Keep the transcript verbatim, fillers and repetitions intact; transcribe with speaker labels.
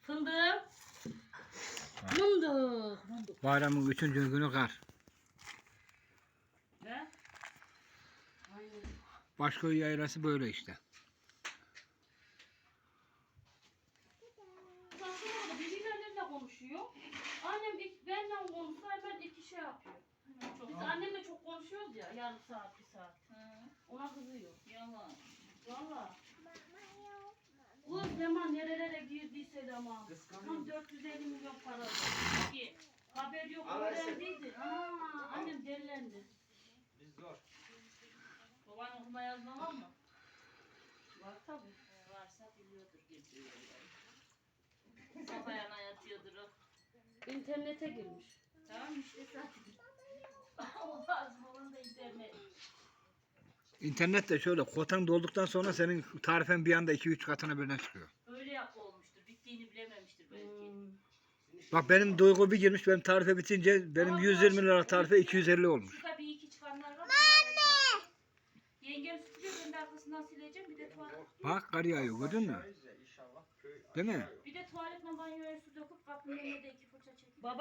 Speaker 1: Fındık. Fındık. Fındık.
Speaker 2: Bayramın üçüncü günü kar.
Speaker 1: Ne? Aynen.
Speaker 2: Başköy yaylası böyle işte.
Speaker 1: Baksana da birbirleriyle konuşuyor. Annem ilk benimle konuşsa hemen iki şey yapıyor. Biz annemle çok konuşuyoruz ya, yarım saat, bir saat. Ona kızıyor. Yalan. Valla. Kız Leman nerelere girdiyse Leman. Tam dört yüz elli milyon para aldı. Ki haber yok, öğrendiydi. Aa, annem delilendi.
Speaker 3: Biz zor.
Speaker 1: Baban okuma yazma var mı? Var tabi. Ee, varsa biliyordur geziyor. Sabahına yatıyordur o. İnternete girmiş. Tamam işte zaten. O lazım olan da internet.
Speaker 2: İnternette şöyle kotan dolduktan sonra senin tarifen bir anda iki üç katına birden çıkıyor.
Speaker 1: Öyle yap olmuştur. Bittiğini bilememiştir belki. Hmm.
Speaker 2: Bak benim Duygu bir girmiş, benim tarife bitince benim yüz yirmi lira tarife iki yüz elli olmuş.
Speaker 1: Şurada bir iki çıkanlar var. Anne! Yengem süpürüyor, ben de arkasından sileceğim. Bir de tuvalet.
Speaker 2: Bak kar yağıyor, gördün mü? Değil mi?
Speaker 1: Bir de tuvaletle banyoya su döküp kapının önüne de iki fırça çekip. Baba